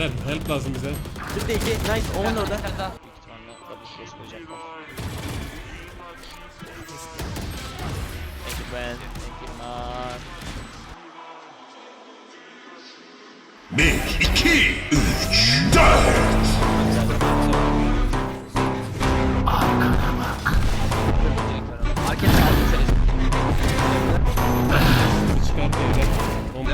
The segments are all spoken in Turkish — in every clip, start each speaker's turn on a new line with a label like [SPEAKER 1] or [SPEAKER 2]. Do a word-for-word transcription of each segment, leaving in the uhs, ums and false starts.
[SPEAKER 1] Beyler help lazım bize.
[SPEAKER 2] Bir de iki. Nice. Omen orada.
[SPEAKER 3] Bir tane daha. Büyük ihtimalle double cross koyacaklar. Thank you Ben. Thank you man.
[SPEAKER 4] Bir, iki, üç, dört.
[SPEAKER 3] Market aldım seni.
[SPEAKER 1] Çıkar beyler. Bomba.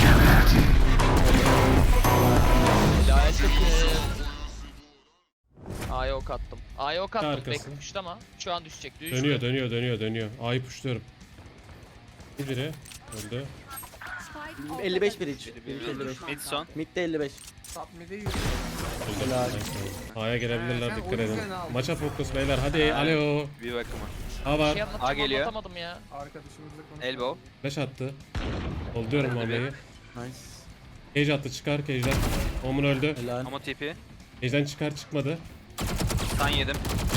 [SPEAKER 3] Hidayet takım. A'ya ok attım. A'ya ok attım.
[SPEAKER 1] Arkası.
[SPEAKER 3] Beklemişti ama şu an düşecek. Düştü.
[SPEAKER 1] Dönüyor dönüyor dönüyor dönüyor. A'yı pushluyorum. Bir biri öldü.
[SPEAKER 2] elli beş bir iç. elli beş.
[SPEAKER 5] Mid son.
[SPEAKER 2] Mid'de elli beş.
[SPEAKER 6] Top mid'e yürü.
[SPEAKER 1] Öldü.
[SPEAKER 2] Helal.
[SPEAKER 1] Nice. A'ya gelebilirler,
[SPEAKER 6] Sen
[SPEAKER 1] dikkat
[SPEAKER 6] o
[SPEAKER 1] edin.
[SPEAKER 6] yüzden aldın.
[SPEAKER 1] Maça fokus beyler, hadi alo.
[SPEAKER 5] Bir bakıma.
[SPEAKER 1] A
[SPEAKER 3] Bir
[SPEAKER 1] var.
[SPEAKER 3] şey anlatacağım
[SPEAKER 5] A geliyor.
[SPEAKER 3] anlatamadım ya.
[SPEAKER 6] Arkadaşımızla konuş.
[SPEAKER 5] Elbow.
[SPEAKER 1] Flash attı. Oluyorum
[SPEAKER 5] Öldü
[SPEAKER 1] bombayı.
[SPEAKER 2] Nice.
[SPEAKER 1] Cage attı, çıkar Cage'den. Omun öldü.
[SPEAKER 2] Helal.
[SPEAKER 5] Ama tipi.
[SPEAKER 1] Cage'den çıkar, çıkmadı.
[SPEAKER 5] Stun yedim.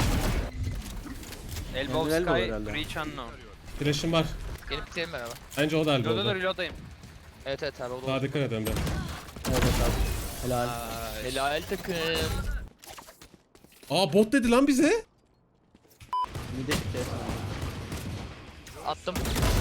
[SPEAKER 5] Elbow
[SPEAKER 2] Yani elbow
[SPEAKER 5] Sky.
[SPEAKER 2] herhalde.
[SPEAKER 5] Reach unknown.
[SPEAKER 1] Flash'ım var.
[SPEAKER 3] Gelip bitirelim beraber.
[SPEAKER 1] Bence o da elde
[SPEAKER 5] Reload'a da
[SPEAKER 1] oldu.
[SPEAKER 5] reload'dayım.
[SPEAKER 3] Evet evet abi o da
[SPEAKER 1] Daha
[SPEAKER 3] oldu.
[SPEAKER 1] dikkat et Emre.
[SPEAKER 2] Evet abi. Helal.
[SPEAKER 5] Ay.
[SPEAKER 3] Helal takım.
[SPEAKER 1] Aa bot dedi lan bize.
[SPEAKER 2] Mid'e çıktı.
[SPEAKER 3] Attım.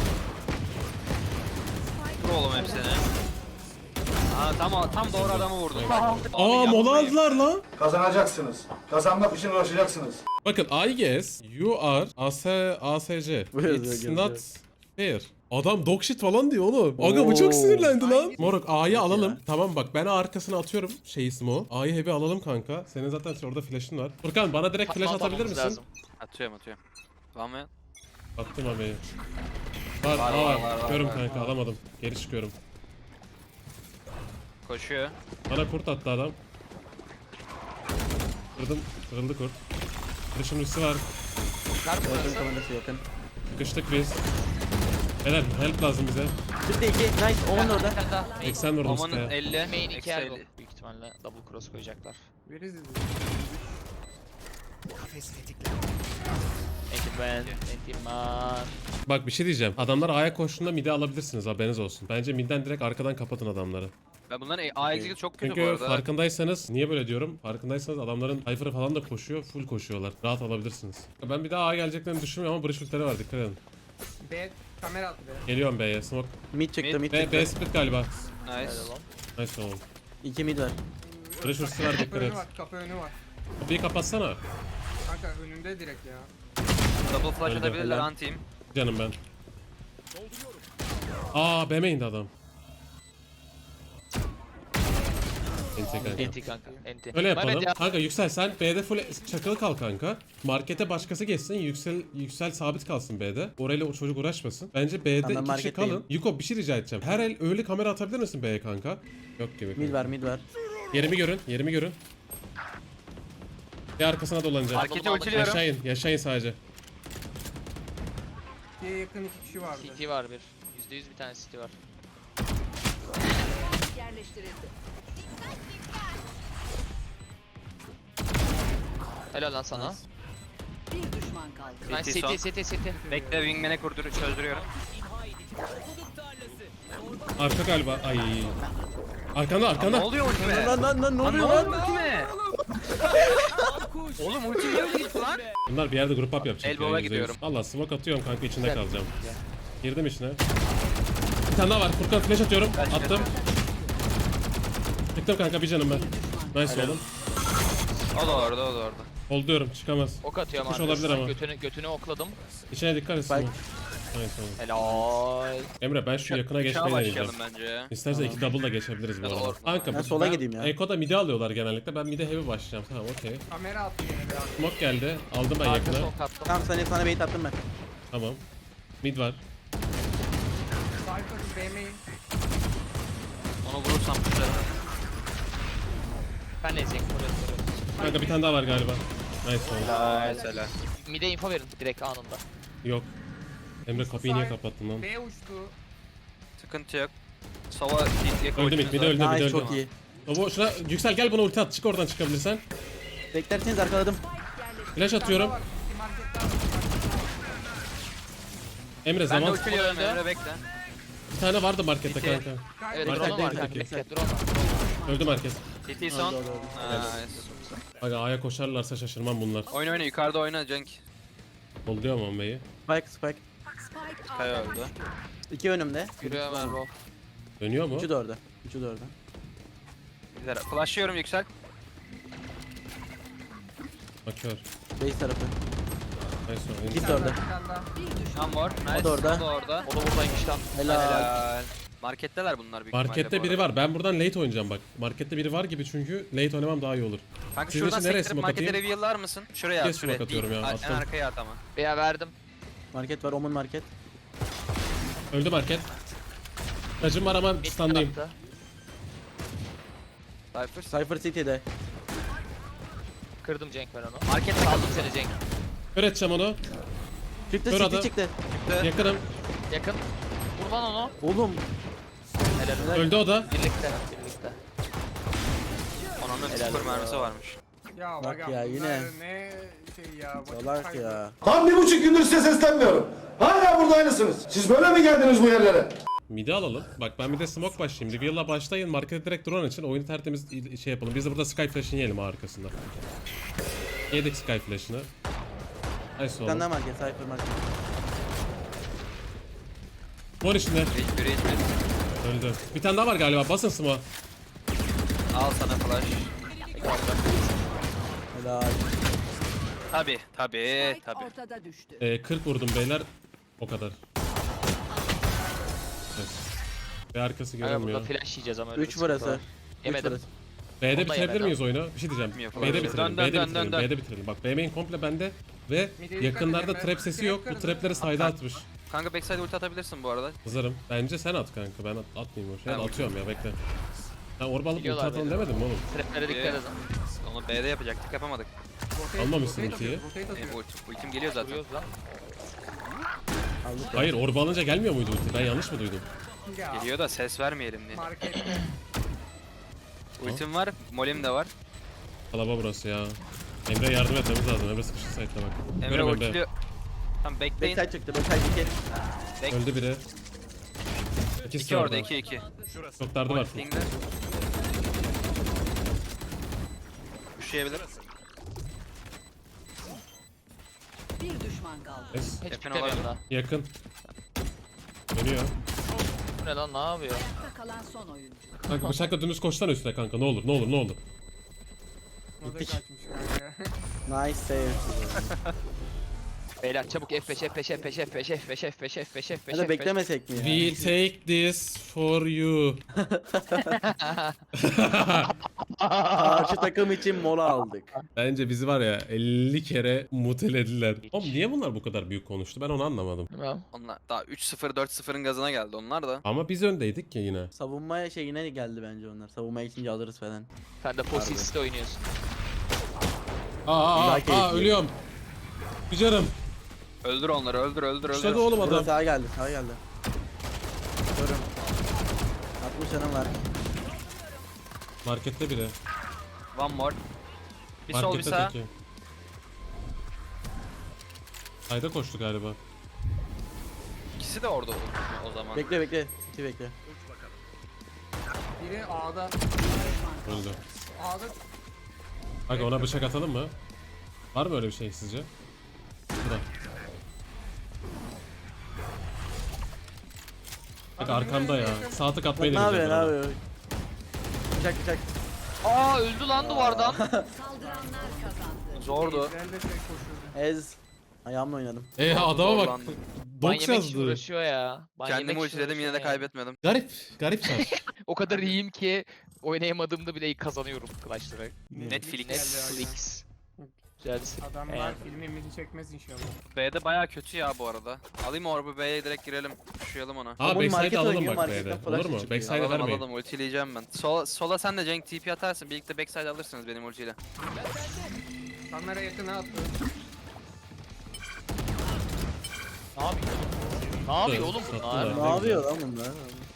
[SPEAKER 5] Vur oğlum hepsini. Aa tam tam doğru adamı vurdun.
[SPEAKER 1] Aa mola aldılar lan.
[SPEAKER 7] Kazanacaksınız. Kazanmak için uğraşacaksınız.
[SPEAKER 1] Bakın I guess you are A S A S C.
[SPEAKER 2] Bu yazıyor,
[SPEAKER 1] It's
[SPEAKER 2] yazıyor.
[SPEAKER 1] not fair. Adam dog shit falan diyor oğlum. Aga bu çok
[SPEAKER 2] Oo.
[SPEAKER 1] sinirlendi lan. Moruk A'yı alalım. Tamam bak ben arkasına atıyorum şey ismi o. A'yı heavy alalım kanka. Senin zaten orada flash'ın var. Furkan bana direkt flash
[SPEAKER 3] Patlatmamız
[SPEAKER 1] atabilir misin?
[SPEAKER 3] lazım.
[SPEAKER 5] Atıyorum atıyorum. Var mı?
[SPEAKER 1] Attım abi. Var,
[SPEAKER 5] Var,
[SPEAKER 1] var,
[SPEAKER 5] var,
[SPEAKER 1] var.
[SPEAKER 5] var, var,
[SPEAKER 1] Çıkıyorum
[SPEAKER 5] var.
[SPEAKER 1] kanka alamadım. Geri çıkıyorum.
[SPEAKER 5] Koşuyor.
[SPEAKER 1] Bana kurt attı adam. Kırdım. Kırıldı kurt. Flash'ın üstü var.
[SPEAKER 3] Ver mi
[SPEAKER 2] Orkun
[SPEAKER 3] burası?
[SPEAKER 2] kamerası yakın.
[SPEAKER 1] Sıkıştık biz. Beyler help lazım bize.
[SPEAKER 2] Bir de iki. Nice. Omen orada.
[SPEAKER 3] Bir tane daha. Main,
[SPEAKER 1] seksen vurdum
[SPEAKER 5] Oman'ın
[SPEAKER 1] Sky'a.
[SPEAKER 5] elli.
[SPEAKER 3] main iki
[SPEAKER 5] Eksi
[SPEAKER 3] ergo.
[SPEAKER 5] elli.
[SPEAKER 3] Büyük ihtimalle double cross koyacaklar.
[SPEAKER 6] Veririz.
[SPEAKER 3] Thank you Ben. Thank you man.
[SPEAKER 1] Bak bir şey diyeceğim. Adamlar A'ya koştuğunda mid'e alabilirsiniz haberiniz olsun. Bence mid'den direkt arkadan kapatın adamları.
[SPEAKER 5] Ben bunların A execute çok kötü bu
[SPEAKER 1] Çünkü
[SPEAKER 5] arada.
[SPEAKER 1] farkındaysanız, niye böyle diyorum? Farkındaysanız adamların Cypher'ı falan da koşuyor, full koşuyorlar. Rahat alabilirsiniz. Ben bir daha A geleceklerini düşünmüyorum ama Breach ultileri var, dikkat edin.
[SPEAKER 6] B kamera attı be.
[SPEAKER 1] Geliyorum B'ye, smoke.
[SPEAKER 2] Mid çıktı. Mid
[SPEAKER 1] B,
[SPEAKER 2] çıktı.
[SPEAKER 1] B split galiba.
[SPEAKER 5] Nice.
[SPEAKER 3] Helal lan.
[SPEAKER 1] Nice oğlum.
[SPEAKER 2] İki mid var.
[SPEAKER 1] Breach ultisi var,
[SPEAKER 6] Kapı
[SPEAKER 1] dikkat
[SPEAKER 6] önü
[SPEAKER 1] et.
[SPEAKER 6] var. Kapı önü var.
[SPEAKER 1] Bir kapatsana.
[SPEAKER 6] Kanka önünde direkt ya.
[SPEAKER 5] Double flash
[SPEAKER 1] Öldü.
[SPEAKER 5] atabilirler
[SPEAKER 2] Helal.
[SPEAKER 5] anti-team.
[SPEAKER 1] Canım ben. Aa B'me indi adam. Enti kanka.
[SPEAKER 3] Enti kanka. Enti.
[SPEAKER 1] Öyle
[SPEAKER 3] Mehmet
[SPEAKER 1] yapalım.
[SPEAKER 3] ya.
[SPEAKER 1] Kanka Yüksel sen B'de full çakılı kal kanka. Markete başkası geçsin. Yüksel Yüksel sabit kalsın B'de. Orayla o çocuk uğraşmasın. Bence B'de
[SPEAKER 2] Tamam, ben
[SPEAKER 1] iki kişi
[SPEAKER 2] marketteyim.
[SPEAKER 1] kalın. Yuko bir şey rica edeceğim. Her el öyle kamera atabilir misin B'ye kanka? Yok gibi.
[SPEAKER 2] Mid
[SPEAKER 1] kanka.
[SPEAKER 2] var. Mid var.
[SPEAKER 1] Yerimi görün. Yerimi görün. Bir arkasına dolanacağım.
[SPEAKER 5] Marketi ultiliyorum.
[SPEAKER 1] Yaşayın. Yaşayın sadece.
[SPEAKER 6] İkiye yakın iki kişi vardı.
[SPEAKER 3] C T var bir. yüzde yüz bir tane C T var. Helal lan sana.
[SPEAKER 8] Bir düşman kaldı.
[SPEAKER 3] Nice
[SPEAKER 5] C T
[SPEAKER 3] C T
[SPEAKER 5] son.
[SPEAKER 3] C T C T.
[SPEAKER 5] Bekle wingman'e kurdur çözdürüyorum.
[SPEAKER 1] Arka galiba. Ay. Arkanda
[SPEAKER 5] Ne
[SPEAKER 1] arkanda.
[SPEAKER 5] oluyor ultime?
[SPEAKER 2] Lan lan lan ne
[SPEAKER 5] Lan ne
[SPEAKER 2] oluyor
[SPEAKER 5] oluyor
[SPEAKER 2] lan?
[SPEAKER 5] ultime? Oğlum ulti niye öyle gitti lan?
[SPEAKER 1] Bunlar bir yerde grup up yapacak.
[SPEAKER 5] Elbow'a
[SPEAKER 1] ya, yüzde yüz.
[SPEAKER 5] gidiyorum.
[SPEAKER 1] Valla smoke atıyorum kanka içinde
[SPEAKER 3] Gel.
[SPEAKER 1] kalacağım. Girdim içine. Bir tane daha var. Furkan flash atıyorum.
[SPEAKER 5] Kaç,
[SPEAKER 1] Attım. Çıktım kanka bir canım ben. Nice oğlum.
[SPEAKER 5] O da orada o da orada.
[SPEAKER 1] Ol diyorum çıkamaz.
[SPEAKER 3] Ok atıyorum
[SPEAKER 1] Çıkmış olabilir
[SPEAKER 3] arkadaşlar.
[SPEAKER 1] ama.
[SPEAKER 3] Götünü, götünü okladım.
[SPEAKER 1] İçine dikkat etsin.
[SPEAKER 2] Spike.
[SPEAKER 1] Nice oğlum.
[SPEAKER 3] Helal.
[SPEAKER 1] Emre ben şu yakına
[SPEAKER 5] Uçağa
[SPEAKER 1] geçmeyi deneyeceğim.
[SPEAKER 5] başlayalım bence ya.
[SPEAKER 1] İstersen iki double da geçebiliriz bu
[SPEAKER 3] Ya da
[SPEAKER 1] arada.
[SPEAKER 3] or-
[SPEAKER 1] Kanka
[SPEAKER 2] Ben
[SPEAKER 1] bu-
[SPEAKER 2] sola gideyim ya.
[SPEAKER 1] Eko'da mid'e alıyorlar genellikle. Ben mid'e heavy başlayacağım. Tamam okey.
[SPEAKER 6] Kamera attı yine be abi.
[SPEAKER 1] Smoke geldi. Aldım ben
[SPEAKER 3] Arka
[SPEAKER 1] yakına.
[SPEAKER 3] sok attım.
[SPEAKER 2] Tamam sana sana bait attım ben.
[SPEAKER 1] Tamam. Mid var.
[SPEAKER 6] Cypher B main.
[SPEAKER 5] Onu vurursam güzel.
[SPEAKER 3] Ben de ezeyim.
[SPEAKER 1] Kanka bir tane daha var galiba. Nice oğlum.
[SPEAKER 5] Mesela.
[SPEAKER 3] Mide info verin direkt anında.
[SPEAKER 1] Yok. Emre kapıyı niye kapattın lan?
[SPEAKER 6] B uçtu.
[SPEAKER 5] Sıkıntı yok. Sova diye
[SPEAKER 1] Öldü mid, mid öldü, mid
[SPEAKER 2] Nice
[SPEAKER 1] öldü.
[SPEAKER 2] çok iyi.
[SPEAKER 1] Baba şuna Yüksel gel buna ulti at. Çık oradan çıkabilirsen.
[SPEAKER 2] Beklerseniz arkaladım.
[SPEAKER 1] Flash atıyorum.
[SPEAKER 6] Var. İki market daha var.
[SPEAKER 1] Emre
[SPEAKER 5] Ben de
[SPEAKER 1] zaman
[SPEAKER 5] ultiliyorum Emre bekle.
[SPEAKER 1] bir tane vardı markette
[SPEAKER 5] İki.
[SPEAKER 1] kanka.
[SPEAKER 3] Evet
[SPEAKER 1] Market
[SPEAKER 3] drone var
[SPEAKER 1] değil,
[SPEAKER 3] kanka.
[SPEAKER 1] peki.
[SPEAKER 3] Bekle drone var.
[SPEAKER 1] Öldü market.
[SPEAKER 5] C T son.
[SPEAKER 2] Öldü, öldü, öldü.
[SPEAKER 5] Nice.
[SPEAKER 1] Aga A'ya koşarlarsa şaşırmam bunlar.
[SPEAKER 5] Oyna oyna yukarıda oyna Cenk.
[SPEAKER 1] Oluyor mu Onve'yi?
[SPEAKER 2] Spike spike.
[SPEAKER 8] Spike
[SPEAKER 5] Kaya
[SPEAKER 8] A'da
[SPEAKER 5] öldü.
[SPEAKER 2] İki önümde.
[SPEAKER 3] Yürüyor hemen bro.
[SPEAKER 1] Dönüyor mu?
[SPEAKER 2] Üçü de orada. Üçü de orada.
[SPEAKER 5] Güzel. Flashlıyorum yüksel.
[SPEAKER 1] Bakıyor.
[SPEAKER 2] Base tarafı.
[SPEAKER 1] Neyse.
[SPEAKER 2] İkisi de orada.
[SPEAKER 6] Bir tane daha.
[SPEAKER 5] Tam var. Nice.
[SPEAKER 2] O da orada.
[SPEAKER 5] O da orada.
[SPEAKER 3] O da buradaymış lan.
[SPEAKER 2] Helal.
[SPEAKER 5] Helal. Marketteler bunlar büyük ihtimalle
[SPEAKER 1] Markette
[SPEAKER 5] bu
[SPEAKER 1] biri
[SPEAKER 5] arada.
[SPEAKER 1] var. Ben buradan late oynayacağım bak. Markette biri var gibi çünkü late oynamam daha iyi olur.
[SPEAKER 5] Kanka
[SPEAKER 1] Sizin
[SPEAKER 5] şuradan
[SPEAKER 1] için nereye
[SPEAKER 5] sektirip
[SPEAKER 1] smoke
[SPEAKER 5] markete
[SPEAKER 1] atayım?
[SPEAKER 5] reveal'lar mısın? Şuraya
[SPEAKER 1] Nereye
[SPEAKER 5] at şuraya.
[SPEAKER 1] smoke atıyorum
[SPEAKER 5] Değil.
[SPEAKER 1] ya?
[SPEAKER 5] En
[SPEAKER 1] Attım.
[SPEAKER 5] arkaya at ama.
[SPEAKER 3] Veya verdim.
[SPEAKER 2] Market var. Omun market.
[SPEAKER 1] Öldü market. Tacım var ama
[SPEAKER 3] Mid
[SPEAKER 1] standayım.
[SPEAKER 3] tarafta.
[SPEAKER 5] Cypher.
[SPEAKER 2] Cypher City'de.
[SPEAKER 3] Kırdım Cenk ben onu.
[SPEAKER 5] Markette
[SPEAKER 3] Aldım
[SPEAKER 5] kaldım.
[SPEAKER 3] seni Cenk.
[SPEAKER 1] Kör edeceğim onu.
[SPEAKER 2] Çıktı
[SPEAKER 1] Kör
[SPEAKER 2] City
[SPEAKER 1] adam.
[SPEAKER 2] çıktı.
[SPEAKER 1] Yakınım.
[SPEAKER 3] Yakın. Vur lan onu.
[SPEAKER 2] Oğlum.
[SPEAKER 3] Helal.
[SPEAKER 1] Öldü o da.
[SPEAKER 3] Birlikte. Birlikte.
[SPEAKER 5] Onun
[SPEAKER 3] Helal
[SPEAKER 5] sıfır
[SPEAKER 3] olsun.
[SPEAKER 5] mermisi varmış.
[SPEAKER 6] Ya
[SPEAKER 2] Bak
[SPEAKER 6] bak
[SPEAKER 2] ya, yine.
[SPEAKER 6] Ne şey ya. vakit
[SPEAKER 2] Salak
[SPEAKER 6] kaybı.
[SPEAKER 2] ya.
[SPEAKER 7] Tam bir buçuk gündür size seslenmiyorum. Hala burada aynısınız. Siz böyle mi geldiniz bu yerlere?
[SPEAKER 1] Midi alalım. Bak ben bir de smoke başlayayım. Reveal'la başlayın. Markete direkt drone için oyunu tertemiz şey yapalım. Biz de burada Sky Flash'ını yiyelim ha arkasında. Yedik Sky Flash'ını. Nice
[SPEAKER 2] Bir tane
[SPEAKER 1] oğlum.
[SPEAKER 2] daha market. Cypher market.
[SPEAKER 1] Mor içinde.
[SPEAKER 5] Hiç biri hiç biri.
[SPEAKER 1] Öldü. Bir tane daha var galiba. Basın smoke.
[SPEAKER 5] Al sana flash.
[SPEAKER 2] Helal.
[SPEAKER 5] Tabi tabi
[SPEAKER 8] Spike
[SPEAKER 5] tabi.
[SPEAKER 8] ortada düştü.
[SPEAKER 1] Ee, kırk vurdum beyler. O kadar. Evet. Ve arkası
[SPEAKER 3] Kanka burada
[SPEAKER 1] görünmüyor.
[SPEAKER 3] flash yiyeceğiz ama öyle bir
[SPEAKER 2] Üç
[SPEAKER 3] sıkıntı
[SPEAKER 2] burası.
[SPEAKER 3] var.
[SPEAKER 2] Üç
[SPEAKER 3] Yemedim.
[SPEAKER 2] burası.
[SPEAKER 1] B'de
[SPEAKER 3] Onda
[SPEAKER 1] bitirebilir
[SPEAKER 3] yemedim.
[SPEAKER 1] miyiz oyunu? Bir şey diyeceğim.
[SPEAKER 5] Bilmiyorum.
[SPEAKER 1] B'de
[SPEAKER 5] Dön,
[SPEAKER 1] bitirelim.
[SPEAKER 5] dön,
[SPEAKER 1] B'de
[SPEAKER 5] dön,
[SPEAKER 1] bitirelim.
[SPEAKER 5] dön, dön.
[SPEAKER 1] B'de bitirelim. Bak B main komple bende ve
[SPEAKER 6] Mid'e dikkat
[SPEAKER 1] yakınlarda
[SPEAKER 6] edin,
[SPEAKER 1] trap
[SPEAKER 6] ben
[SPEAKER 1] sesi
[SPEAKER 6] trap
[SPEAKER 1] yok. Bu
[SPEAKER 6] kırdım.
[SPEAKER 1] trapleri sayda atmış.
[SPEAKER 5] Kanka backside ulti atabilirsin bu arada.
[SPEAKER 1] Hazırım. Bence sen at kanka. Ben at, atmayayım o şey. Ya da
[SPEAKER 5] Ben-
[SPEAKER 1] atıyorum ya bekle. Ben orba alıp ulti
[SPEAKER 3] Biliyorlar
[SPEAKER 1] atalım
[SPEAKER 3] beni.
[SPEAKER 1] demedim mi oğlum?
[SPEAKER 3] Traplere dikkat
[SPEAKER 5] Ee,
[SPEAKER 3] edin.
[SPEAKER 5] Onu B'de yapacaktık yapamadık.
[SPEAKER 6] Rotate-
[SPEAKER 1] Almamışsın
[SPEAKER 6] rotate
[SPEAKER 1] ultiyi.
[SPEAKER 6] atıyor, rotate atıyor.
[SPEAKER 5] Benim ultim, ultim geliyor zaten.
[SPEAKER 3] Vuruyoruz lan.
[SPEAKER 2] Aldık.
[SPEAKER 1] Hayır orba alınca gelmiyor muydu ulti? Ben yanlış mı duydum?
[SPEAKER 6] Ya,
[SPEAKER 5] Geliyor da ses vermeyelim diye.
[SPEAKER 6] markette.
[SPEAKER 5] Ultim var, molim de var.
[SPEAKER 1] Kalaba burası ya. Emre yardım etmemiz lazım. Emre sıkıştı site'de bak.
[SPEAKER 5] Emre
[SPEAKER 1] Görem
[SPEAKER 5] ultiliyor. Tamam bekleyin.
[SPEAKER 2] Backside çıktı. Backside iki.
[SPEAKER 1] Öldü biri. İkisi
[SPEAKER 5] İki
[SPEAKER 1] de
[SPEAKER 5] orada, iki iki.
[SPEAKER 1] Çok dardı var.
[SPEAKER 5] Pingler. Üşüyebilir.
[SPEAKER 8] Bir düşman kaldı.
[SPEAKER 1] Es.
[SPEAKER 3] Hiç
[SPEAKER 5] Yakın
[SPEAKER 3] bitemiyorum
[SPEAKER 5] olabilir.
[SPEAKER 3] daha.
[SPEAKER 1] Yakın. Dönüyor.
[SPEAKER 3] Bu ne lan ne yapıyor?
[SPEAKER 8] Ayakta kalan son oyuncu.
[SPEAKER 1] Kanka bıçakla dümdüz koşsana üstüne kanka. Ne olur ne olur ne olur.
[SPEAKER 6] O da kaçmış kanka.
[SPEAKER 2] Nice save.
[SPEAKER 3] Beyler çabuk F beş F beş F beş F beş F beş F beş F beş F beş
[SPEAKER 2] Ya da beklemesek mi ya?
[SPEAKER 1] We take this for you.
[SPEAKER 2] Karşı takım için mola aldık.
[SPEAKER 1] Bence bizi var ya elli kere mutelediler. Oğlum niye bunlar bu kadar büyük konuştu? Ben onu anlamadım.
[SPEAKER 3] Bilmem.
[SPEAKER 5] Onlar daha üç sıfır dört sıfırın gazına geldi onlar da.
[SPEAKER 1] Ama biz öndeydik ya yine.
[SPEAKER 2] Savunma şeyine geldi bence onlar. Savunma için alırız falan.
[SPEAKER 3] Sen de Fossils'te oynuyorsun.
[SPEAKER 1] Aa aa
[SPEAKER 2] Daha
[SPEAKER 1] aa,
[SPEAKER 2] keyifli.
[SPEAKER 1] aa ölüyorum. Bir canım.
[SPEAKER 5] Öldür onları, öldür öldür öldür.
[SPEAKER 1] Kuşladı oğlum
[SPEAKER 2] Burada
[SPEAKER 1] adam.
[SPEAKER 2] sağa geldi. Sağa geldi. Görüm. altmış canım var.
[SPEAKER 1] Markette biri.
[SPEAKER 5] One more. Bir sol bir
[SPEAKER 1] Markette
[SPEAKER 5] sağ.
[SPEAKER 1] teki. Ayda koştu galiba.
[SPEAKER 5] İkisi de orada o zaman.
[SPEAKER 2] Bekle bekle. City bekle.
[SPEAKER 6] Biri A'da.
[SPEAKER 1] Öldü.
[SPEAKER 6] A'da.
[SPEAKER 1] Kanka ona bıçak atalım mı? Var mı öyle bir şey sizce? Burada. Bak arkamda ya. Sağ tık atmayı
[SPEAKER 2] Ne yapıyor
[SPEAKER 1] deneyeceğim.
[SPEAKER 2] ne
[SPEAKER 1] ben ona.
[SPEAKER 2] yapıyor? Bıçak bıçak.
[SPEAKER 3] Aa öldü lan duvardan.
[SPEAKER 8] Saldıranlar kazandı.
[SPEAKER 5] Zordu.
[SPEAKER 6] Ben de şey koşuyordu.
[SPEAKER 2] Ez. Ayağımla oynadım.
[SPEAKER 1] Ee adama bak.
[SPEAKER 5] Zorlandım.
[SPEAKER 3] Ban
[SPEAKER 1] Dox
[SPEAKER 3] yemek için
[SPEAKER 1] yazdı.
[SPEAKER 3] uğraşıyor ya. Ban
[SPEAKER 5] Kendimi
[SPEAKER 3] yemek için
[SPEAKER 5] ultiledim yine de
[SPEAKER 3] uğraşıyor ya.
[SPEAKER 5] kaybetmedim.
[SPEAKER 1] Garip. Garip şans.
[SPEAKER 3] O kadar iyiyim ki oynayamadığımda bile kazanıyorum clutch'ları.
[SPEAKER 5] Netflix.
[SPEAKER 3] Netflix. Güzelsin.
[SPEAKER 6] Adamlar
[SPEAKER 3] Yani.
[SPEAKER 6] filmimizi çekmez inşallah.
[SPEAKER 5] B'de baya kötü ya bu arada. Alayım orbu B'ye direkt girelim. Üşüyelim ona.
[SPEAKER 1] Aa
[SPEAKER 2] Oğlum
[SPEAKER 1] backside
[SPEAKER 2] market
[SPEAKER 1] alalım
[SPEAKER 2] oynuyor,
[SPEAKER 1] bak
[SPEAKER 2] marketten
[SPEAKER 1] B'de.
[SPEAKER 2] flash
[SPEAKER 1] Olur mu?
[SPEAKER 2] çıkıyor.
[SPEAKER 1] Backside'e
[SPEAKER 5] Alalım
[SPEAKER 1] vermeyin.
[SPEAKER 5] alalım ultileyeceğim ben. Sola, sola sen de Cenk T P atarsın. Birlikte backside alırsınız benim ultiyle.
[SPEAKER 6] Kamera yakına attı.
[SPEAKER 3] Ne yapıyor? Ne yapıyor oğlum bunlar?
[SPEAKER 1] Sattılar.
[SPEAKER 2] Ne
[SPEAKER 1] güzel.
[SPEAKER 2] yapıyor lan bunlar?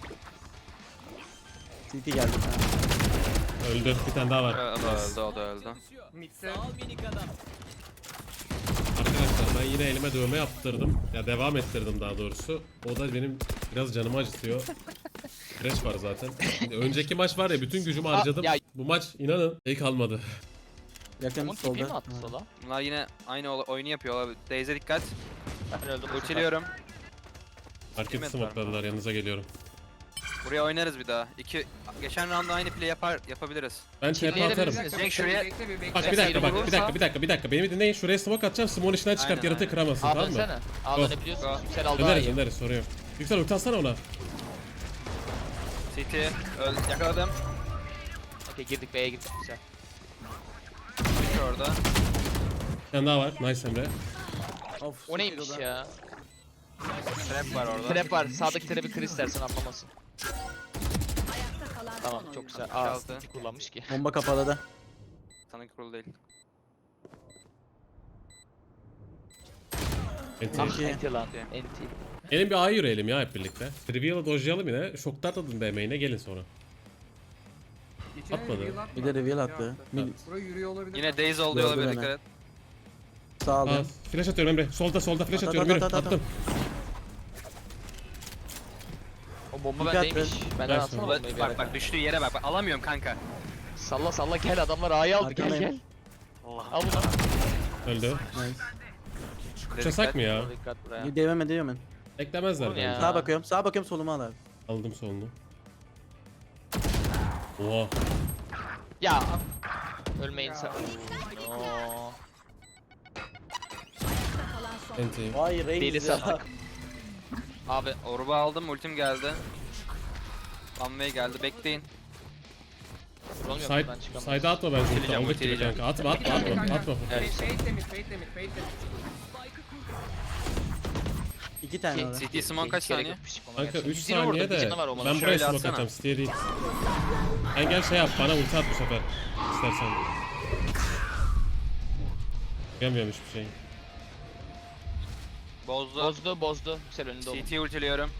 [SPEAKER 2] City geldi.
[SPEAKER 1] Öldü. Bir tane daha var.
[SPEAKER 5] Ö- O da öldü o da öldü.
[SPEAKER 6] Mid'se.
[SPEAKER 1] Arkadaşlar Ben yine elime dövme yaptırdım. Ya devam ettirdim daha doğrusu. O da benim biraz canımı acıtıyor. Crash var zaten. Önceki maç var ya bütün gücümü harcadım.
[SPEAKER 5] ya-
[SPEAKER 1] Bu maç inanın iyi kalmadı.
[SPEAKER 2] Yakın
[SPEAKER 5] Umut tipi mi
[SPEAKER 2] solda.
[SPEAKER 5] attı sola?
[SPEAKER 3] Bunlar yine aynı ola- oyunu yapıyor abi. Daze'e dikkat.
[SPEAKER 5] Ben öldüm.
[SPEAKER 3] Ultiliyorum.
[SPEAKER 1] Market
[SPEAKER 3] Kıymet var.
[SPEAKER 1] smokladılar, yanınıza geliyorum.
[SPEAKER 3] Buraya oynarız bir daha. İki geçen roundda aynı play yapar yapabiliriz.
[SPEAKER 1] Ben T P
[SPEAKER 5] Kirliye de
[SPEAKER 1] atarım.
[SPEAKER 5] bir-
[SPEAKER 6] Bir dakika,
[SPEAKER 3] Cenk şuraya-
[SPEAKER 6] bekle bir bekle.
[SPEAKER 1] Bak bir dakika bak bir
[SPEAKER 5] vurursa-
[SPEAKER 1] dakika bir dakika bir dakika beni bir dinleyin, şuraya smoke atacağım, smoke'un içinden çıkart,
[SPEAKER 3] Aynen,
[SPEAKER 1] yaratığı
[SPEAKER 3] aynen.
[SPEAKER 1] kıramasın,
[SPEAKER 5] Aa
[SPEAKER 1] tamam mı?
[SPEAKER 5] dönsene. Aa
[SPEAKER 1] Go.
[SPEAKER 5] dönebiliyorsun.
[SPEAKER 3] Go.
[SPEAKER 5] Yüksel aldı daha
[SPEAKER 1] Döneriz
[SPEAKER 5] iyi.
[SPEAKER 1] döneriz, sorun yok. Yüksel ulti atsana ona.
[SPEAKER 3] C T öl yakaladım.
[SPEAKER 5] Okey girdik B'ye girdik güzel.
[SPEAKER 3] Bir orada.
[SPEAKER 1] Bir tane daha var, nice Emre.
[SPEAKER 2] Of.
[SPEAKER 5] O neymiş ya?
[SPEAKER 3] Trap var orada.
[SPEAKER 5] Trap var. Sağdaki trap'i kır istersen atlamasın.
[SPEAKER 8] Ayakta kalan
[SPEAKER 5] Tamam
[SPEAKER 8] son
[SPEAKER 5] çok
[SPEAKER 8] oyuncu.
[SPEAKER 5] güzel. Aa
[SPEAKER 3] Altı.
[SPEAKER 5] ulti kullanmış ki.
[SPEAKER 2] Bomba kapalı da.
[SPEAKER 3] Sana kurulu değil.
[SPEAKER 1] Enti.
[SPEAKER 5] Ah
[SPEAKER 2] İyi.
[SPEAKER 5] enti lan. Enti.
[SPEAKER 1] Gelin bir A'ya yürüyelim ya hep birlikte. Reveal'ı dojlayalım yine. Şoklar atın B main'e, gelin sonra.
[SPEAKER 6] Geçen
[SPEAKER 1] Atmadı.
[SPEAKER 6] reveal atmadı.
[SPEAKER 2] Bir de reveal
[SPEAKER 6] Şey
[SPEAKER 2] attı. Mid
[SPEAKER 6] Buraya yürüyor olabilir.
[SPEAKER 3] Yine
[SPEAKER 6] kanka.
[SPEAKER 3] Daze oldu
[SPEAKER 2] Gördü
[SPEAKER 3] olabilir
[SPEAKER 2] beni.
[SPEAKER 3] dikkat et.
[SPEAKER 2] sağ
[SPEAKER 1] Aa,
[SPEAKER 2] aldım.
[SPEAKER 1] flash atıyorum Emre. Solda solda flash
[SPEAKER 2] At,
[SPEAKER 1] atıyorum,
[SPEAKER 2] at,
[SPEAKER 1] yürü.
[SPEAKER 2] at, at, at.
[SPEAKER 1] Attım.
[SPEAKER 5] O bomba
[SPEAKER 2] Dikkat
[SPEAKER 5] bendeymiş.
[SPEAKER 2] et.
[SPEAKER 5] Benden
[SPEAKER 1] Ver
[SPEAKER 5] atsana
[SPEAKER 1] sonra.
[SPEAKER 5] bombayı bir
[SPEAKER 3] Bak
[SPEAKER 5] yere.
[SPEAKER 3] bak düştüğü yere bak. bak alamıyorum kanka.
[SPEAKER 5] Salla salla gel adamlar A'yı aldı gel
[SPEAKER 2] Arkandayım.
[SPEAKER 5] gel.
[SPEAKER 3] Allah.
[SPEAKER 5] Al bunu.
[SPEAKER 1] Öldü.
[SPEAKER 2] Nice.
[SPEAKER 1] Uçasak mı ya?
[SPEAKER 5] Dikkat buraya.
[SPEAKER 2] Bir devam ediyorum ben.
[SPEAKER 1] Beklemezler
[SPEAKER 5] Oğlum
[SPEAKER 1] bence.
[SPEAKER 5] ya.
[SPEAKER 2] Sağa bakıyorum. Sağa bakıyorum soluma al abi.
[SPEAKER 1] Aldım solunu. Oha.
[SPEAKER 5] Ya. Ölmeyin sen. Oo.
[SPEAKER 8] Kalan son
[SPEAKER 1] Enti.
[SPEAKER 2] Vay
[SPEAKER 5] Deli
[SPEAKER 2] reis ya.
[SPEAKER 5] sattık. Abi
[SPEAKER 3] Orba aldım. Ultim geldi. One way geldi. Bekleyin.
[SPEAKER 5] drone yok
[SPEAKER 1] Side,
[SPEAKER 5] buradan çıkamaz.
[SPEAKER 1] side'a atma bence ulti.
[SPEAKER 3] Ultileyeceğim,
[SPEAKER 1] Aldık gibi
[SPEAKER 3] ultileyeceğim.
[SPEAKER 1] kanka. Atma atma atma atma.
[SPEAKER 3] Evet.
[SPEAKER 6] Fade limit, fade limit, fade limit.
[SPEAKER 2] İki tane orada.
[SPEAKER 3] C T Simon kaç
[SPEAKER 5] Gerek
[SPEAKER 3] saniye?
[SPEAKER 5] yokmuş ona
[SPEAKER 1] Kanka
[SPEAKER 5] gerçekten.
[SPEAKER 1] üç
[SPEAKER 5] yüz yirmi vurdu,
[SPEAKER 1] saniye
[SPEAKER 5] bir
[SPEAKER 1] de
[SPEAKER 5] canı var o
[SPEAKER 1] ben
[SPEAKER 5] malın.
[SPEAKER 1] buraya
[SPEAKER 3] Şöyle
[SPEAKER 1] smoke
[SPEAKER 3] atsana.
[SPEAKER 1] atacağım, Steer değil. Sen gel şey yap, bana ulti at bu sefer. İstersen. Gelmiyorum hiçbir şey.
[SPEAKER 3] Bozdu.
[SPEAKER 5] Bozdu bozdu. Yüksel önünde oğlum.
[SPEAKER 3] C T ultiliyorum.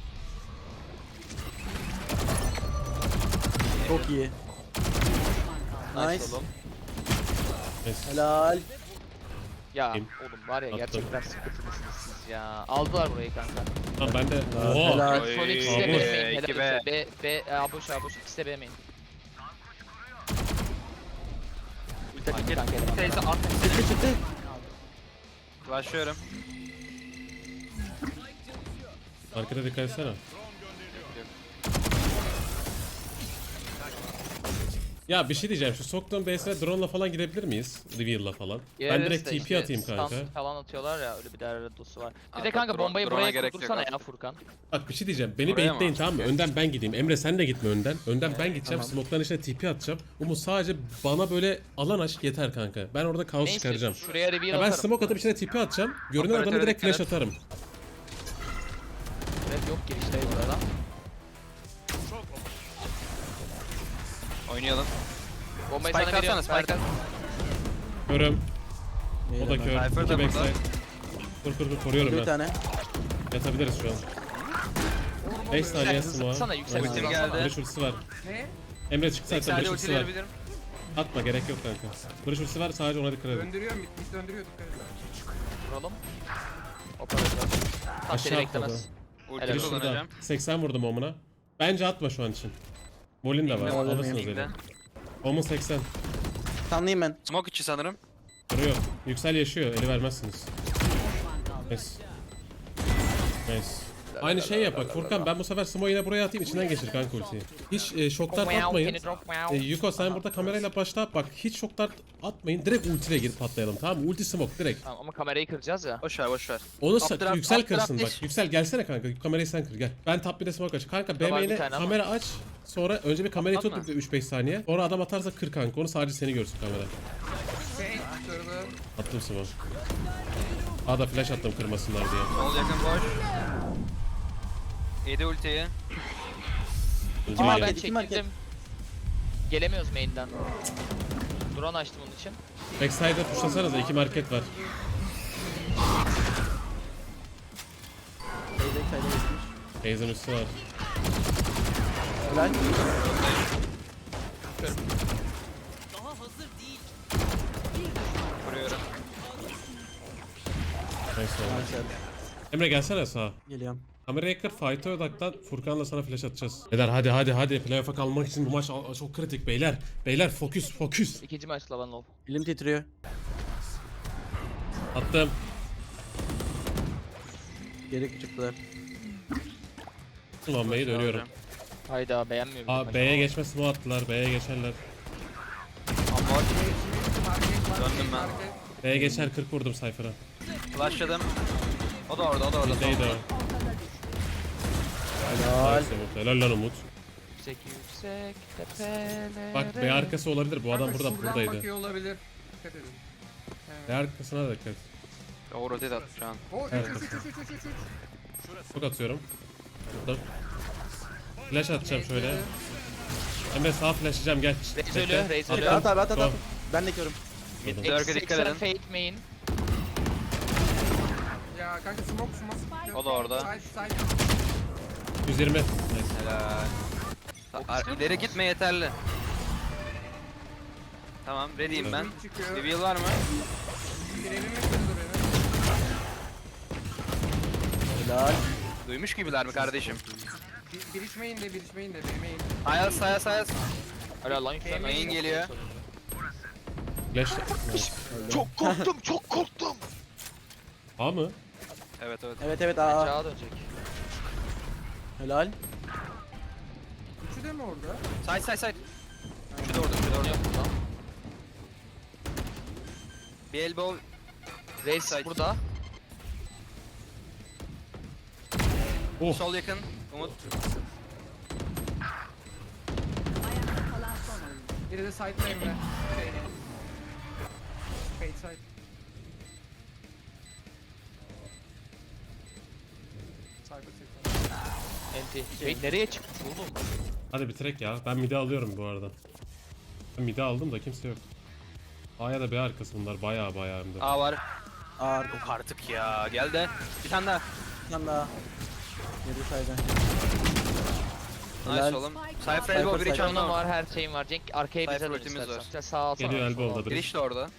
[SPEAKER 2] Çok iyi. Nice.
[SPEAKER 5] oğlum.
[SPEAKER 1] Neyse.
[SPEAKER 2] Helal.
[SPEAKER 5] Ya
[SPEAKER 1] Kim?
[SPEAKER 5] oğlum var ya
[SPEAKER 1] Attım.
[SPEAKER 5] gerçekten sıkıntılısınız siz ya. Aldılar burayı kanka.
[SPEAKER 1] Tamam ben de.
[SPEAKER 2] Helal.
[SPEAKER 1] Oha.
[SPEAKER 2] Helal.
[SPEAKER 3] Oy,
[SPEAKER 5] Son ikisi de
[SPEAKER 1] Abi.
[SPEAKER 5] B main.
[SPEAKER 3] iki
[SPEAKER 5] Helal
[SPEAKER 3] B.
[SPEAKER 5] olsun. B, B, A boş A boş. İkisi de B main. Ulti atayım kanka elemanlara.
[SPEAKER 3] Teyze at.
[SPEAKER 2] Çıktı çıktı.
[SPEAKER 3] Başlıyorum.
[SPEAKER 1] Arkada dikkat etsene. Ya bir şey diyeceğim, şu soktuğum base'e drone'la falan gidebilir miyiz? Reveal'la falan. Ben
[SPEAKER 5] Gireriz
[SPEAKER 1] direkt
[SPEAKER 5] de
[SPEAKER 1] T P
[SPEAKER 5] işte
[SPEAKER 1] atayım kanka.
[SPEAKER 5] stun falan atıyorlar ya öyle bir değerli dostu var. Bir
[SPEAKER 3] Abi
[SPEAKER 5] de kanka
[SPEAKER 3] drone-
[SPEAKER 5] bombayı
[SPEAKER 3] drone'a
[SPEAKER 5] buraya
[SPEAKER 3] gerek yok
[SPEAKER 5] kurdursana
[SPEAKER 3] artık.
[SPEAKER 5] ya Furkan.
[SPEAKER 1] Bak bir şey diyeceğim, beni
[SPEAKER 3] Oraya mı?
[SPEAKER 1] baitleyin tamam mı? Önden ben gideyim. Emre sen de gitme önden. Önden ben gideceğim, smoke'ların içine T P atacağım. Umut sadece bana böyle alan aç yeter kanka. Ben orada kaos
[SPEAKER 5] Neyse
[SPEAKER 1] çıkaracağım.
[SPEAKER 5] şuraya reveal
[SPEAKER 1] Ya ben
[SPEAKER 5] atarım.
[SPEAKER 1] smoke atıp içine T P atacağım. Görünen
[SPEAKER 3] Operatöre
[SPEAKER 1] adamı direkt
[SPEAKER 3] dikkat
[SPEAKER 1] flash
[SPEAKER 3] et.
[SPEAKER 1] atarım.
[SPEAKER 5] Red yok girişte burada.
[SPEAKER 3] Oynayalım.
[SPEAKER 5] Bombayı
[SPEAKER 3] Spike
[SPEAKER 5] sana veriyorum.
[SPEAKER 3] atsana, spike
[SPEAKER 5] Spike
[SPEAKER 3] at.
[SPEAKER 1] Körüm. O da
[SPEAKER 2] Helal.
[SPEAKER 1] kör.
[SPEAKER 3] Cypher
[SPEAKER 1] İki
[SPEAKER 3] da
[SPEAKER 1] backside.
[SPEAKER 3] burada.
[SPEAKER 1] Kur kur kur koruyorum
[SPEAKER 2] Bir
[SPEAKER 1] ben.
[SPEAKER 2] tane.
[SPEAKER 1] Yatabiliriz şu an. beş saniye
[SPEAKER 5] Hızlı
[SPEAKER 1] smoke.
[SPEAKER 5] sana yüksel
[SPEAKER 1] Nice.
[SPEAKER 3] Ultim
[SPEAKER 5] hızlansana.
[SPEAKER 3] geldi.
[SPEAKER 1] Barış ultisi var.
[SPEAKER 6] Ne?
[SPEAKER 1] Emre çık zaten,
[SPEAKER 3] Sadece
[SPEAKER 1] Barış ultisi var.
[SPEAKER 3] ultileyebilirim.
[SPEAKER 1] Atma, gerek yok kanka. Barış ultisi var, sadece ona dikkat edin.
[SPEAKER 6] Döndürüyor, mid, mid döndürüyor, dikkat edin.
[SPEAKER 5] Vuralım. Operatör. Tam
[SPEAKER 1] Aşağı
[SPEAKER 5] seni
[SPEAKER 1] atladı.
[SPEAKER 5] beklemez.
[SPEAKER 3] Ulti
[SPEAKER 5] Helal.
[SPEAKER 1] Şurada.
[SPEAKER 3] kullanacağım.
[SPEAKER 1] seksen vurdum omuna. Bence atma şu an için. Molin de var.
[SPEAKER 3] Bilmem,
[SPEAKER 1] Alırsınız
[SPEAKER 3] bilmem.
[SPEAKER 1] eli. Omun seksen.
[SPEAKER 2] Tanıyayım ben.
[SPEAKER 3] Smoke içi sanırım.
[SPEAKER 1] Duruyor. Yüksel yaşıyor. Eli vermezsiniz.
[SPEAKER 8] düşman kaldı.
[SPEAKER 1] Nice. Nice. Aynı şey yap bak Furkan, ben bu sefer Smo'yu yine buraya atayım, içinden geçir kanka ultiyi. Hiç e, şoklar atmayın. E, Yuko sen burada kamerayla başla, bak hiç şoklar atmayın, direkt ultiyle girip patlayalım tamam mı? Ulti smoke direkt.
[SPEAKER 5] Tamam ama kamerayı kıracağız ya.
[SPEAKER 3] Boş ver boş ver.
[SPEAKER 1] Onu
[SPEAKER 3] Updraft,
[SPEAKER 1] sa- yüksel
[SPEAKER 3] updraft
[SPEAKER 1] kırsın bak.
[SPEAKER 3] iş.
[SPEAKER 1] Yüksel gelsene kanka, kamerayı sen kır gel. Ben top bir'e smoke aç. Kanka B
[SPEAKER 5] Var bir
[SPEAKER 1] main'e
[SPEAKER 5] tane ama.
[SPEAKER 1] kamera aç. Sonra önce bir kamerayı
[SPEAKER 3] Atma.
[SPEAKER 1] tut üç beş saniye. Sonra adam atarsa kır kanka, onu sadece seni görsün kamera.
[SPEAKER 6] Fade, kırdı.
[SPEAKER 1] Attım smoke. Aa da flash attım kırmasınlar diye.
[SPEAKER 3] Sol yakın boş. Yedi ultiyi.
[SPEAKER 1] Ulti
[SPEAKER 5] Aa
[SPEAKER 1] main.
[SPEAKER 5] ben
[SPEAKER 2] iki market.
[SPEAKER 5] çekildim. Gelemiyoruz main'den. Drone açtım onun için.
[SPEAKER 1] Backside'e tuşlasanıza, iki market var.
[SPEAKER 2] Teyze kayda geçmiş.
[SPEAKER 1] Teyzenin üstü var.
[SPEAKER 2] Helal.
[SPEAKER 3] Kuruyorum.
[SPEAKER 1] oldu. Emre gelsene sağa.
[SPEAKER 2] Geliyorum.
[SPEAKER 1] Kameraya kır, fight'a odaklan. Furkan'la sana flash atacağız. Beyler hadi hadi hadi. Playoff'a kalmak için bu maç a- çok kritik beyler. Beyler fokus fokus.
[SPEAKER 5] İkinci maç Lavan Love.
[SPEAKER 2] Elim titriyor.
[SPEAKER 1] Attım.
[SPEAKER 2] Geri çıktılar.
[SPEAKER 1] Ulan B'yi dönüyorum.
[SPEAKER 5] Hayda beğenmiyor.
[SPEAKER 1] Aa
[SPEAKER 5] bizim
[SPEAKER 1] B'ye geçme smoke attılar. B'ye geçerler.
[SPEAKER 3] Amor.
[SPEAKER 6] Market, market,
[SPEAKER 3] Döndüm ben.
[SPEAKER 6] market.
[SPEAKER 1] B'ye geçer kırk vurdum Cypher'a.
[SPEAKER 3] Flashladım. O da orada, o da orada.
[SPEAKER 1] Neydi o?
[SPEAKER 2] Helal.
[SPEAKER 1] Nice Umut. Helal lan Umut.
[SPEAKER 5] Yüksek yüksek tepelere.
[SPEAKER 1] Bak B arkası olabilir. Bu adam
[SPEAKER 6] Kanka
[SPEAKER 1] burada
[SPEAKER 6] şuradan
[SPEAKER 1] buradaydı.
[SPEAKER 6] bakıyor olabilir. Dikkat edin.
[SPEAKER 1] B arkasına da dikkat.
[SPEAKER 3] O rotate attı şu an.
[SPEAKER 6] O üç
[SPEAKER 1] Evet.
[SPEAKER 6] üç üç üç üç üç üç.
[SPEAKER 1] Çok atıyorum. Burada. Flash atacağım şöyle. Emre sağ flashlayacağım gel.
[SPEAKER 5] Reis
[SPEAKER 1] Bekle.
[SPEAKER 5] ölüyor, Reis
[SPEAKER 1] Attım.
[SPEAKER 5] ölüyor.
[SPEAKER 2] At abi at at
[SPEAKER 1] Go.
[SPEAKER 2] at. Ben de körüm.
[SPEAKER 1] Vurdum.
[SPEAKER 3] Dörke dikkat edin.
[SPEAKER 5] Fate main.
[SPEAKER 6] Ya kanka smoke smoke.
[SPEAKER 3] O da orada.
[SPEAKER 6] Side side.
[SPEAKER 1] yüz yirmi. Nice.
[SPEAKER 3] Helal. Ar- İleri gitme yeterli. Tamam, ready'im ben.
[SPEAKER 6] Çıkıyor.
[SPEAKER 3] Reveal var mı?
[SPEAKER 6] Girelim mi kırdı beni?
[SPEAKER 2] Helal.
[SPEAKER 3] Duymuş gibiler mi kardeşim?
[SPEAKER 6] Bir, bir içmeyin de bir içmeyin de bir main.
[SPEAKER 3] Ayaz, ayaz, ayaz.
[SPEAKER 5] Hala lan yükselme.
[SPEAKER 3] Main geliyor.
[SPEAKER 1] Flash. Nice.
[SPEAKER 5] Çok korktum, çok korktum.
[SPEAKER 1] A mı?
[SPEAKER 3] Evet, evet.
[SPEAKER 2] Evet evet aa.
[SPEAKER 5] Aşağı dönecek.
[SPEAKER 2] Helal.
[SPEAKER 6] Üçü de mi orada?
[SPEAKER 3] Side, side, side. Şu da orada, şu da orada.
[SPEAKER 5] Yok lan.
[SPEAKER 3] Bir elbow.
[SPEAKER 5] Reis
[SPEAKER 3] Side.
[SPEAKER 5] burada.
[SPEAKER 1] Oh.
[SPEAKER 3] Sol yakın. Umut.
[SPEAKER 8] Ayakta kalan son oyuncu.
[SPEAKER 6] Biri de side'da Emre. Şey. Fade side. Cyber side.
[SPEAKER 5] Enti. Şey nereye çıkmış oğlum?
[SPEAKER 1] Hadi bitirek ya. Ben midi alıyorum bu arada. Ben midi aldım da kimse yok. A'ya da B arkası bunlar. Baya baya hem de.
[SPEAKER 3] A var.
[SPEAKER 2] Aa arka.
[SPEAKER 3] Yok artık ya. Gel de. Bir tane daha.
[SPEAKER 2] Bir tane daha. Geri saydan.
[SPEAKER 3] Nice
[SPEAKER 2] Helal.
[SPEAKER 3] oğlum.
[SPEAKER 2] Cypher,
[SPEAKER 3] Cypher elbow, biri
[SPEAKER 2] Cypher.
[SPEAKER 3] çanlı
[SPEAKER 5] Canım
[SPEAKER 3] var.
[SPEAKER 5] var, her şeyim var. Cenk arkaya bize
[SPEAKER 3] Cypher
[SPEAKER 5] dön
[SPEAKER 3] ultimiz
[SPEAKER 5] istersen.
[SPEAKER 3] var.
[SPEAKER 5] İşte Sağ ol, sağ ol.
[SPEAKER 1] Geliyor
[SPEAKER 5] sağ ol.
[SPEAKER 1] elbow'da biri.
[SPEAKER 3] Giriş de orada.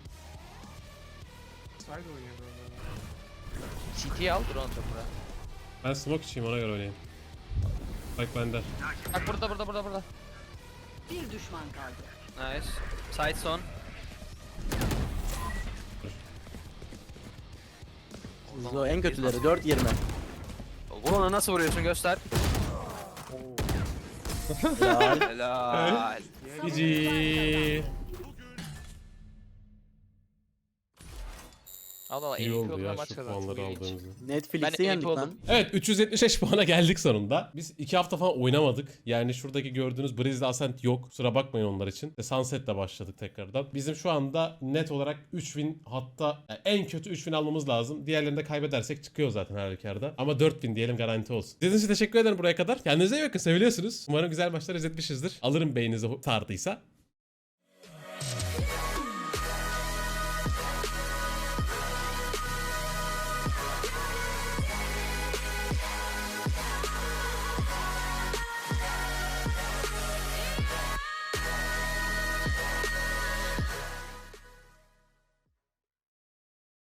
[SPEAKER 6] Side oynuyor böyle.
[SPEAKER 5] C T'yi al, drone çok buraya.
[SPEAKER 1] Ben smoke içeyim ona göre oynayayım. Bak bende.
[SPEAKER 5] Bak burada, burada, burada, burada.
[SPEAKER 8] Bir düşman kaldı.
[SPEAKER 3] Nice. Side son.
[SPEAKER 2] Zo en kötüleri dört yirmi.
[SPEAKER 3] Vur ona, nasıl vuruyorsun göster.
[SPEAKER 2] Helal.
[SPEAKER 3] Helal.
[SPEAKER 1] G G.
[SPEAKER 5] Al al,
[SPEAKER 1] İyi
[SPEAKER 5] M V P
[SPEAKER 1] oldu
[SPEAKER 5] olduğuna
[SPEAKER 1] ya
[SPEAKER 5] maç
[SPEAKER 1] şu
[SPEAKER 5] kazandı.
[SPEAKER 1] puanları
[SPEAKER 5] Bu ilginç.
[SPEAKER 1] aldığımızda.
[SPEAKER 2] Netflix'i
[SPEAKER 5] Ben
[SPEAKER 2] yendik
[SPEAKER 5] ilk
[SPEAKER 2] lan.
[SPEAKER 5] oldum.
[SPEAKER 1] Evet üç yüz yetmiş beş puana geldik sonunda. Biz iki hafta falan oynamadık. Yani şuradaki gördüğünüz Breeze'de Ascent yok. Kusura bakmayın onlar için. E, Sunset'le başladık tekrardan. Bizim şu anda net olarak üç win, hatta yani en kötü üç win almamız lazım. Diğerlerini de kaybedersek çıkıyor zaten her halükarda. Ama dört win diyelim, garanti olsun. İzlediğiniz için teşekkür ederim buraya kadar. Kendinize iyi bakın, seviliyorsunuz. Umarım güzel maçlar izletmişizdir. Alırım beyninizi sardıysa.